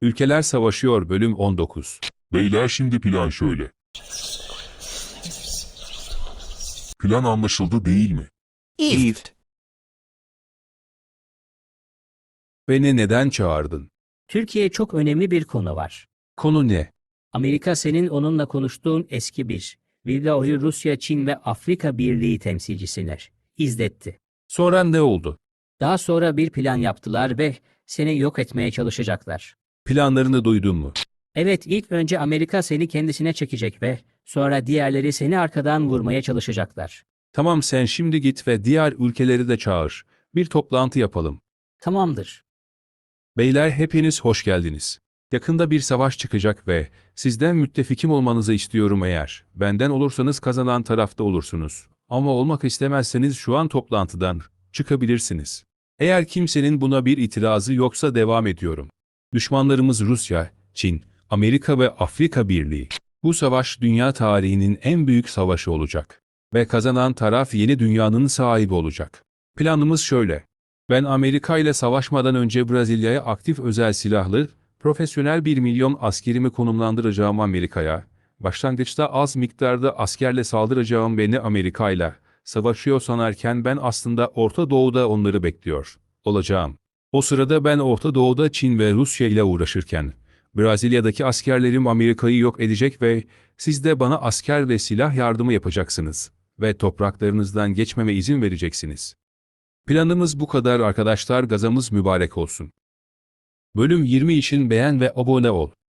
Ülkeler Savaşıyor Bölüm 19. Beyler şimdi plan şöyle. Plan anlaşıldı değil mi? Evet. Beni neden çağırdın? Türkiye çok önemli bir konu var. Konu ne? Amerika senin onunla konuştuğun eski bir videoyu Rusya, Çin ve Afrika Birliği temsilcisine izletti. Sonra ne oldu? Daha sonra bir plan yaptılar ve seni yok etmeye çalışacaklar. Planlarını duydun mu? Evet, ilk önce Amerika seni kendisine çekecek ve sonra diğerleri seni arkadan vurmaya çalışacaklar. Tamam, sen şimdi git ve diğer ülkeleri de çağır. Bir toplantı yapalım. Tamamdır. Beyler, hepiniz hoş geldiniz. Yakında bir savaş çıkacak ve sizden müttefikim olmanızı istiyorum eğer. Benden olursanız kazanan tarafta olursunuz. Ama olmak istemezseniz şu an toplantıdan çıkabilirsiniz. Eğer kimsenin buna bir itirazı yoksa devam ediyorum. Düşmanlarımız Rusya, Çin, Amerika ve Afrika Birliği. Bu savaş dünya tarihinin en büyük savaşı olacak. Ve kazanan taraf yeni dünyanın sahibi olacak. Planımız şöyle. Ben Amerika ile savaşmadan önce Brezilya'ya aktif özel silahlı, profesyonel 1 milyon askerimi konumlandıracağım Amerika'ya. Başlangıçta az miktarda askerle saldıracağım beni Amerika ile savaşıyor sanarken ben aslında Orta Doğu'da onları bekliyor olacağım. O sırada ben Orta Doğu'da Çin ve Rusya ile uğraşırken, Brezilya'daki askerlerim Amerika'yı yok edecek ve siz de bana asker ve silah yardımı yapacaksınız ve topraklarınızdan geçmeme izin vereceksiniz. Planımız bu kadar arkadaşlar, gazamız mübarek olsun. Bölüm 20 için beğen ve abone ol.